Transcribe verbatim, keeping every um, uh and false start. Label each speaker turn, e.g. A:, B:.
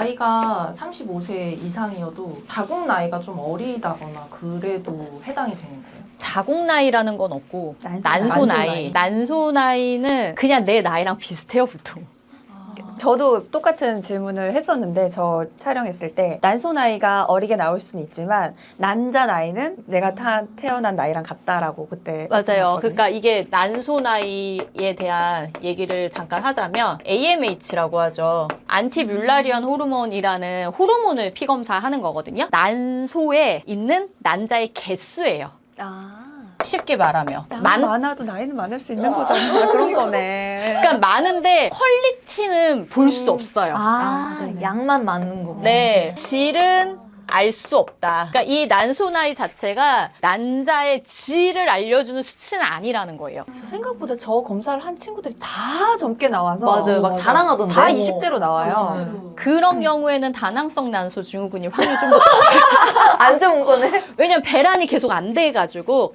A: 나이가 삼십오 세 이상이어도 자국 나이가 좀 어리다거나 그래도 해당이 되는 거예요?
B: 자국 나이라는 건 없고
C: 난소
B: 난소,
A: 난소
B: 나이.
A: 나이.
B: 난소 나이는 그냥 내 나이랑 비슷해요, 보통.
C: 저도 똑같은 질문을 했었는데 저 촬영했을 때 난소 나이가 어리게 나올 수는 있지만 난자 나이는 내가 타, 태어난 나이랑 같다라고 그때
B: 맞아요.
C: 했었거든요.
B: 그러니까 이게 난소 나이에 대한 얘기를 잠깐 하자면 에이엠에이치라고 하죠. 안티뮬라리언 호르몬이라는 호르몬을 피검사하는 거거든요. 난소에 있는 난자의 개수예요.
C: 아,
B: 쉽게 말하면.
C: 양
B: 많,
C: 많아도 나이는 많을 수 있는 거잖아. 그런 거네.
B: 그러니까 많은데 퀄리티는 볼 수 없어요.
D: 아,
C: 아, 네네.
D: 양만 맞는 거.
B: 네, 질은 알 수 없다. 그러니까 이 난소 나이 자체가 난자의 질을 알려주는 수치는 아니라는 거예요.
C: 생각보다 저 검사를 한 친구들이 다 젊게 나와서
D: 맞아요. 막 자랑하던데.
C: 다 이십 대로 나와요.
A: 음.
B: 그런 경우에는 다낭성 난소 증후군일 확률이 좀 더
D: 안 좋은 거네.
B: 왜냐면 배란이 계속 안 돼가지고